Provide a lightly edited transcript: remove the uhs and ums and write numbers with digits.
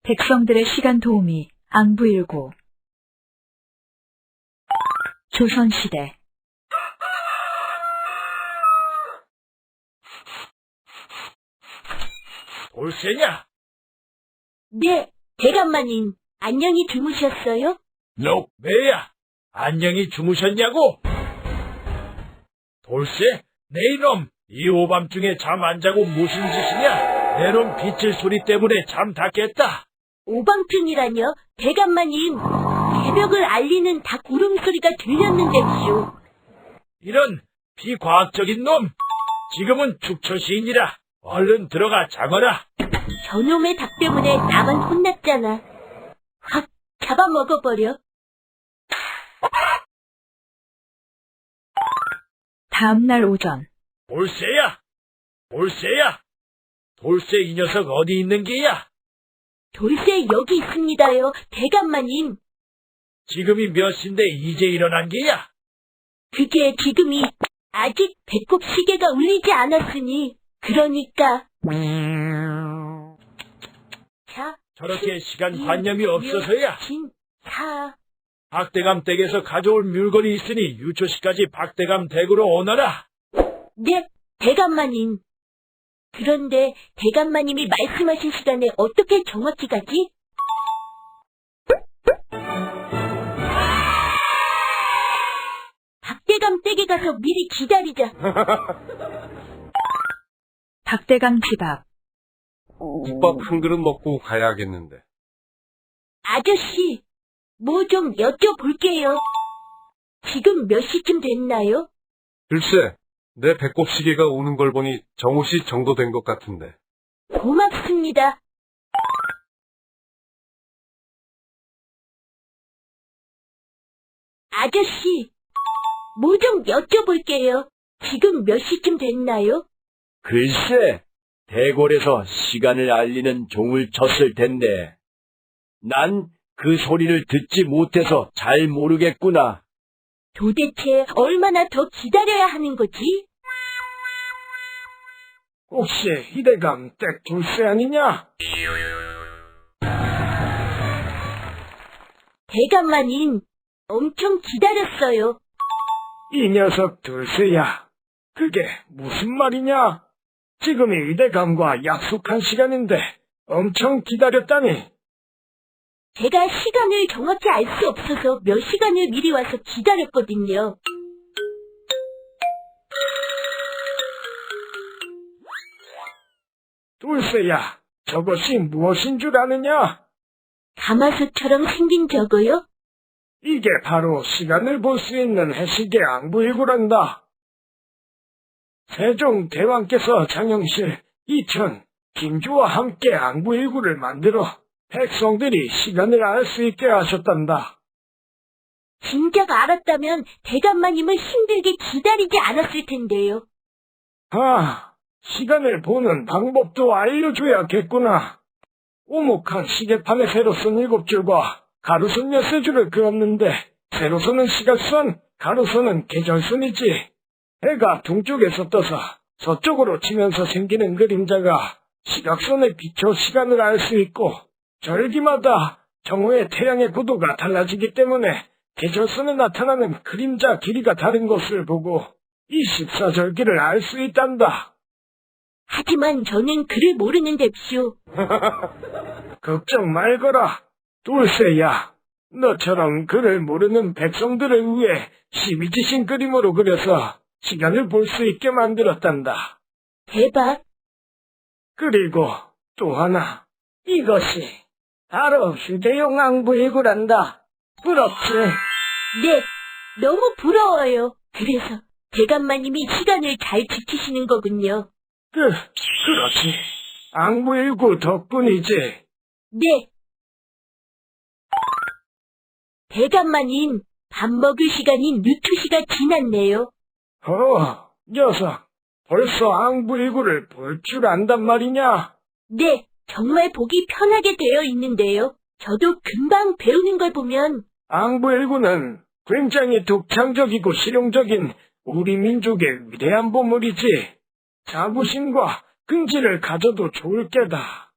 백성들의 시간 도우미 앙부일구. 조선시대. 돌쇠냐? 네, 대감마님, 안녕히 주무셨어요? 왜야? 안녕히 주무셨냐고? 돌쇠? 내 이놈, 이 오밤중에 잠 안 자고 무슨 짓이냐? 내 놈 빗질 소리 때문에 잠 다 깼다. 오밤중이라뇨? 대감마님, 새벽을 알리는 닭 울음소리가 들렸는데쇼. 이런 비과학적인 놈! 지금은 축처시인이라 얼른 들어가 자거라. 저놈의 닭 때문에 나만 혼났잖아. 확 잡아먹어버려. 다음날 오전. 돌쇠야! 돌쇠야! 돌쇠 이 녀석 어디 있는 게야? 돌쇠 여기 있습니다요, 대감마님. 지금이 몇 시인데 이제 일어난 게야? 그게 지금이 아직 배꼽 시계가 울리지 않았으니, 그러니까. 자, 저렇게 시간관념이 없어서야. 4. 박대감 댁에서 가져올 물건이 있으니 유초시까지 박대감 댁으로 오너라. 네, 대감마님. 그런데 대감마님이 말씀하신 시간에 어떻게 정확히 가지? 박대감 댁에 가서 미리 기다리자. 박대감 집 앞. 국밥 한 그릇 먹고 가야겠는데. 아저씨, 뭐 좀 여쭤볼게요. 지금 몇 시쯤 됐나요? 글쎄, 내 배꼽 시계가 오는 걸 보니 정오시 정도 된 것 같은데. 고맙습니다. 아저씨, 뭐 좀 여쭤볼게요. 지금 몇 시쯤 됐나요? 글쎄, 대궐에서 시간을 알리는 종을 쳤을 텐데, 난 그 소리를 듣지 못해서 잘 모르겠구나. 도대체 얼마나 더 기다려야 하는 거지? 혹시 희대감 댁 돌쇠 아니냐? 대감마님, 엄청 기다렸어요. 이 녀석 돌쇠야. 그게 무슨 말이냐? 지금이 희대감과 약속한 시간인데 엄청 기다렸다니. 제가 시간을 정확히 알 수 없어서 몇 시간을 미리 와서 기다렸거든요. 돌쇠야, 저것이 무엇인 줄 아느냐? 가마솥처럼 생긴 저거요? 이게 바로 시간을 볼 수 있는 해시계 앙부일구란다. 세종 대왕께서 장영실, 이천, 김주와 함께 앙부일구를 만들어 백성들이 시간을 알 수 있게 하셨단다. 진작 알았다면 대감마님을 힘들게 기다리지 않았을 텐데요. 시간을 보는 방법도 알려줘야겠구나. 오목한 시계판에 세로선 7줄과 가로선 13줄을 그었는데 세로선은 시각선, 가로선은 계절선이지. 해가 동쪽에서 떠서 서쪽으로 치면서 생기는 그림자가 시각선에 비춰 시간을 알 수 있고 절기마다 정오의 태양의 고도가 달라지기 때문에 계절선에 나타나는 그림자 길이가 다른 것을 보고 24절기를 알 수 있단다. 하지만 저는 글을 모르는데쇼. 걱정 말거라. 돌쇠야, 너처럼 글을 모르는 백성들을 위해 시비지신 그림으로 그려서 시간을 볼 수 있게 만들었단다. 대박. 그리고 또 하나, 이것이 바로 휴대용 앙부일구란다. 부럽지? 네, 너무 부러워요. 그래서 대감마님이 시간을 잘 지키시는 거군요. 그렇지. 앙부일구 덕분이지. 네. 대감마님, 밥 먹을 시간인 유투시가 지났네요. 녀석, 벌써 앙부일구를 볼 줄 안단 말이냐? 네, 정말 보기 편하게 되어 있는데요. 저도 금방 배우는 걸 보면 앙부일구는 굉장히 독창적이고 실용적인 우리 민족의 위대한 보물이지. 자부심과 긍지를 가져도 좋을 게다.